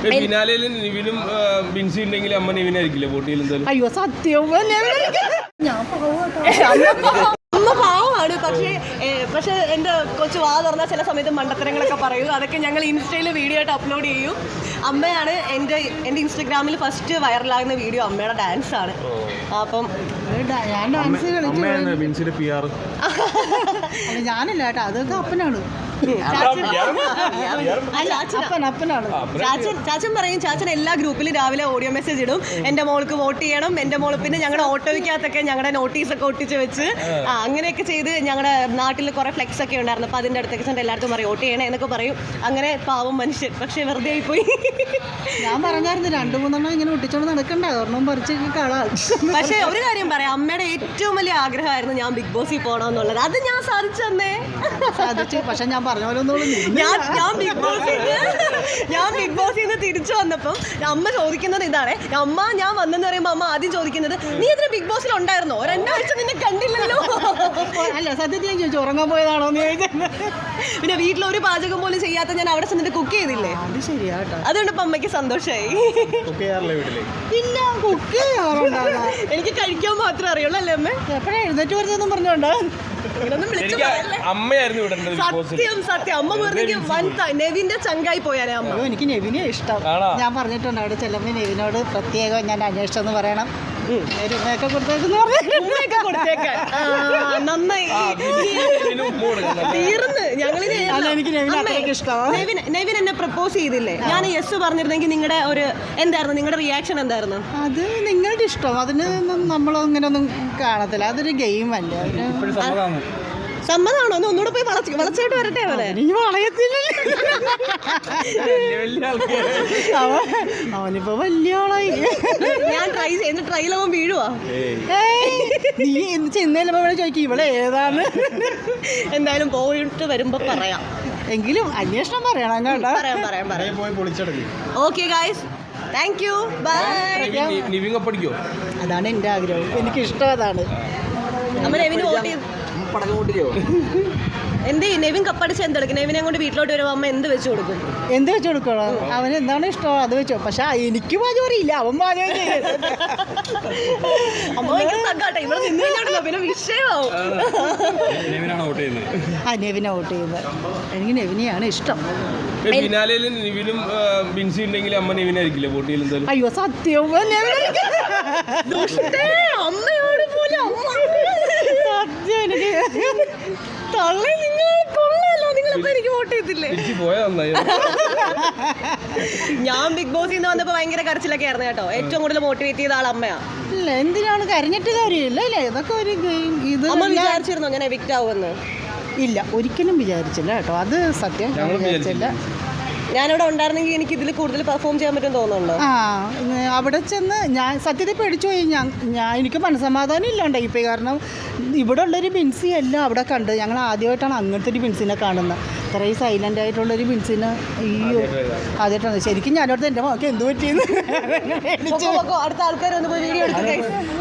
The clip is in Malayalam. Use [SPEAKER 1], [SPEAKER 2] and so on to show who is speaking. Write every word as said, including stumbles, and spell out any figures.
[SPEAKER 1] നിവിനും ബിൻസി ഉണ്ടെങ്കിൽ അമ്മ നിവിനായിരിക്കില്ലേ പോട്ടിയിൽ എന്തായാലും?
[SPEAKER 2] അയ്യോ സത്യം ഞാൻ അമ്മ പാവമാണ്. പക്ഷേ പക്ഷേ എൻ്റെ കൊച്ചു വാ തുറന്നാൽ ചില സമയത്ത് മണ്ടത്തരങ്ങളൊക്കെ പറയും. അതൊക്കെ ഞങ്ങൾ ഇൻസ്റ്റയിൽ വീഡിയോ ആയിട്ട് അപ്ലോഡ് ചെയ്യും. അമ്മയാണ് എൻ്റെ എൻ്റെ ഇൻസ്റ്റഗ്രാമിൽ ഫസ്റ്റ് വൈറലാകുന്ന വീഡിയോ അമ്മയുടെ ഡാൻസ് ആണ്. അപ്പം
[SPEAKER 3] ഞാൻ ഡാൻസ് ഞാനല്ല കേട്ടോ, അതൊക്കെ അപ്പനാണ്.
[SPEAKER 2] ചാച്ചൻ ചാച്ചൻ പറയും, ചാച്ചൻ എല്ലാ ഗ്രൂപ്പിലും രാവിലെ ഓഡിയോ മെസ്സേജ് ഇടും, എൻ്റെ മോൾക്ക് വോട്ട് ചെയ്യണം, എൻ്റെ മോൾ. പിന്നെ ഞങ്ങളുടെ ഓട്ടോയ്ക്കകത്തൊക്കെ ഞങ്ങളുടെ നോട്ടീസൊക്കെ ഒട്ടിച്ച് വെച്ച് ആ അങ്ങനെയൊക്കെ ചെയ്ത് ഞങ്ങളുടെ നാട്ടിൽ കുറേ ഫ്ലെക്സ് ഒക്കെ ഉണ്ടായിരുന്നു. അപ്പോൾ അതിൻ്റെ അടുത്തൊക്കെ ചെന്ന് എല്ലാവർക്കും പറയും വോട്ട് ചെയ്യണേ എന്നൊക്കെ പറയും. അങ്ങനെ പാവം മനുഷ്യൻ, പക്ഷേ വെറുതെ ആയിപ്പോയി.
[SPEAKER 3] ഞാൻ പറഞ്ഞായിരുന്നു രണ്ടു മൂന്നെണ്ണം ഇങ്ങനെ ഒട്ടിച്ചോണ്ട് നടക്കണ്ട, ഒരെണ്ണം പറിച്ച് കളാം.
[SPEAKER 2] പക്ഷേ ഒരു കാര്യം പറയാം, അമ്മയുടെ ഏറ്റവും വലിയ ആഗ്രഹമായിരുന്നു ഞാൻ ബിഗ് ബോസിൽ പോകണമെന്നുള്ളത്. അത് ഞാൻ സാധിച്ചു തന്നേ.
[SPEAKER 3] സാധിച്ചു. പക്ഷെ ഞാൻ പറഞ്ഞ പോലെ ഒന്നും
[SPEAKER 2] ഞാൻ ഞാൻ ബിഗ് ബോസിൽ ഞാൻ ബിഗ് ബോസിൽ നിന്ന് തിരിച്ചു വന്നപ്പം അമ്മ ചോദിക്കുന്നത് ഇതാണ്. അമ്മ ഞാൻ വന്നെന്ന് പറയുമ്പോൾ അമ്മ ആദ്യം ചോദിക്കുന്നത്, നീ ഇതിന് ബിഗ് ബോസിൽ ഉണ്ടായിരുന്നോ? രണ്ടാഴ്ച നിന്നെ കണ്ടില്ലല്ലോ.
[SPEAKER 3] അല്ല സത്യത്തിൽ ഞാൻ ചോദിച്ചു ഉറങ്ങാൻ പോയതാണോ എന്ന് ചോദിച്ചത്.
[SPEAKER 2] പിന്നെ വീട്ടിലൊരു പാചകം പോലും ചെയ്യാത്ത ഞാൻ അവിടെ ചെന്നിട്ട് കുക്ക് ചെയ്തില്ലേ?
[SPEAKER 3] അത് ശരിയാട്ടോ.
[SPEAKER 2] അതുകൊണ്ട് ഇപ്പം അമ്മയ്ക്ക് സന്തോഷമായി.
[SPEAKER 3] ഇല്ല കുക്ക് ചെയ്യാറുണ്ടാകാം.
[SPEAKER 2] എനിക്ക് കഴിക്കാൻ മാത്രമേ അറിയുള്ളൂ അല്ലേ അമ്മ?
[SPEAKER 3] എപ്പോഴാ എഴുന്നേറ്റ് വരുന്നതെന്നും പറഞ്ഞോണ്ടോ
[SPEAKER 1] അമ്മയായിരുന്നു.
[SPEAKER 2] സത്യം സത്യം അമ്മ പറഞ്ഞെങ്കിൽ വൻ നെവിന്റെ ചങ്കായി പോയാലേ അമ്മ.
[SPEAKER 3] എനിക്ക് നെവിനെ ഇഷ്ടം. ഞാൻ പറഞ്ഞിട്ടുണ്ട് അവിടെ ചെല്ലുമ്പോൾ നെവിനോട് പ്രത്യേകം ഞാൻ അന്വേഷിച്ചു എന്ന് പറയണം. ഉമ്മയൊക്കെ കൊടുത്തേക്കെന്ന്
[SPEAKER 2] ഉമ്മയൊക്കെ കൊടുത്തേക്കാൻ നന്നായി തീർന്ന്. ഞങ്ങളിത്
[SPEAKER 3] എനിക്ക് നെവിനെ അത്രയ്ക്ക് ഇഷ്ടമാണ്.
[SPEAKER 2] നെവിൻ നെവിൻ എന്നെ പ്രപ്പോസ് ചെയ്തില്ലേ? ഞാൻ യെസ് പറഞ്ഞിരുന്നെങ്കിൽ നിങ്ങളുടെ ഒരു എന്തായിരുന്നു നിങ്ങളുടെ റിയാക്ഷൻ എന്തായിരുന്നു?
[SPEAKER 3] അത് നിങ്ങളുടെ ഇഷ്ടം, അതിന് നമ്മളങ്ങനെ ഒന്നും കാണത്തില്ല. അതൊരു ഗെയിം അല്ലേ. അതിന്
[SPEAKER 2] സമ്മതമാണോ? ഒന്ന് ഒന്നുകൂടെ പോയി വളച്ച് വളച്ചായിട്ട് വരട്ടെ. അവനെ
[SPEAKER 3] നീ വളയത്തില്ല. അവനിപ്പോ വലിയ ആളായി.
[SPEAKER 2] ഞാൻ ട്രൈ ചെയ്ത് ട്രൈലാവും വീഴുവാ.
[SPEAKER 3] നീ എന്ത് ചെന്നേലും ചോദിക്കും ഇവളെ ഏതാണ്.
[SPEAKER 2] എന്തായാലും പോയിട്ട് വരുമ്പോ പറയാം.
[SPEAKER 3] എങ്കിലും അന്വേഷണം പറയണം കേട്ടോ.
[SPEAKER 2] പറയാം പറയാം പറയാം. Okay guys, thank you, bye.
[SPEAKER 3] അതാണ് എൻ്റെ ആഗ്രഹം, എനിക്ക് ഇഷ്ടം അതാണ്.
[SPEAKER 2] അമ്മ നെവിന് വോട്ട് ചെയ്തു. എന്ത് നെവിൻ കപ്പടിച്ച് എന്തെടുക്കും? നെവിനെ കൊണ്ട് വീട്ടിലോട്ട് വരുമ്പോൾ അമ്മ എന്ത് വെച്ച് കൊടുക്കും?
[SPEAKER 3] എന്ത് വെച്ച് കൊടുക്കണം? അവന് എന്താണ് ഇഷ്ടം അത് വെച്ചോ. പക്ഷെ എനിക്ക് പാചകം അറിയില്ല, അവൻ പാചകം ചെയ്യും.
[SPEAKER 2] അമ്മ തക്കാട്ടെ ഇവിടെ നിന്ന് കഴിഞ്ഞാണല്ലോ പിന്നെ വിഷയമാവും.
[SPEAKER 3] ആ നെവിനെ വോട്ട് ചെയ്യുന്നത്. എനിക്ക് നെവിനെയാണ് ഇഷ്ടം.
[SPEAKER 1] നിവിനും ബിൻസി ഉണ്ടെങ്കിൽ അമ്മ നിവിനായിരിക്കില്ലേ പോട്ടിയിൽ എന്തായാലും?
[SPEAKER 3] അയ്യോ സത്യം
[SPEAKER 2] അമ്മയോട് പോലെ അമ്മ
[SPEAKER 3] സത്യം. എനിക്ക്
[SPEAKER 2] തള്ളി നിങ്ങൾ കൊള്ളാലോ. നിങ്ങളിപ്പോ എനിക്ക് വോട്ട് ചെയ്തില്ലേ? ഞാൻ ബിഗ് ബോസിൽ നിന്ന് വന്നപ്പോ ഭയങ്കര കരച്ചിലൊക്കെ ആയിരുന്നു കേട്ടോ. ഏറ്റവും കൂടുതൽ മോട്ടിവേറ്റ് ചെയ്ത ആൾ അമ്മയാ.
[SPEAKER 3] ഇല്ല എന്തിനാണ് കരഞ്ഞിട്ട് കാര്യമില്ല അല്ലേ. ഇതൊക്കെ ഒരു ഇത്.
[SPEAKER 2] അമ്മ വിചാരിച്ചിരുന്നോ ഞാൻ എവിക്റ്റ് ആവുമെന്ന്?
[SPEAKER 3] ഇല്ല ഒരിക്കലും വിചാരിച്ചില്ല കേട്ടോ. അത് സത്യം വിചാരിച്ചില്ല.
[SPEAKER 2] ഞാനിവിടെ ഉണ്ടായിരുന്നെങ്കിൽ എനിക്ക് ഇതിൽ കൂടുതൽ പെർഫോം ചെയ്യാൻ പറ്റും തോന്നുന്നുണ്ടോ?
[SPEAKER 3] ആ അവിടെ ചെന്ന് ഞാൻ സത്യത്തിൽ പേടിച്ചു പോയി. ഞാൻ ഞാൻ എനിക്ക് മനസ്സമാധാനം ഇല്ലാണ്ടായി ഇപ്പോൾ. കാരണം ഇവിടെ ഉള്ളൊരു ബിൻസി എല്ലാം അവിടെ കണ്ട് ഞങ്ങൾ ആദ്യമായിട്ടാണ് അങ്ങനത്തെ ഒരു ബിൻസിനെ കാണുന്നത്. ഇത്രയും സൈലൻ്റ് ആയിട്ടുള്ളൊരു ബിൻസിനെ ഈ ആദ്യമായിട്ടാണ്. ശരിക്കും ഞാനോടത്ത് എൻ്റെ മകൾക്ക് എന്ത് പറ്റിയെന്ന്
[SPEAKER 2] അടുത്ത ആൾക്കാർ ഒന്ന് പോയി വീഡിയോ എടുത്ത്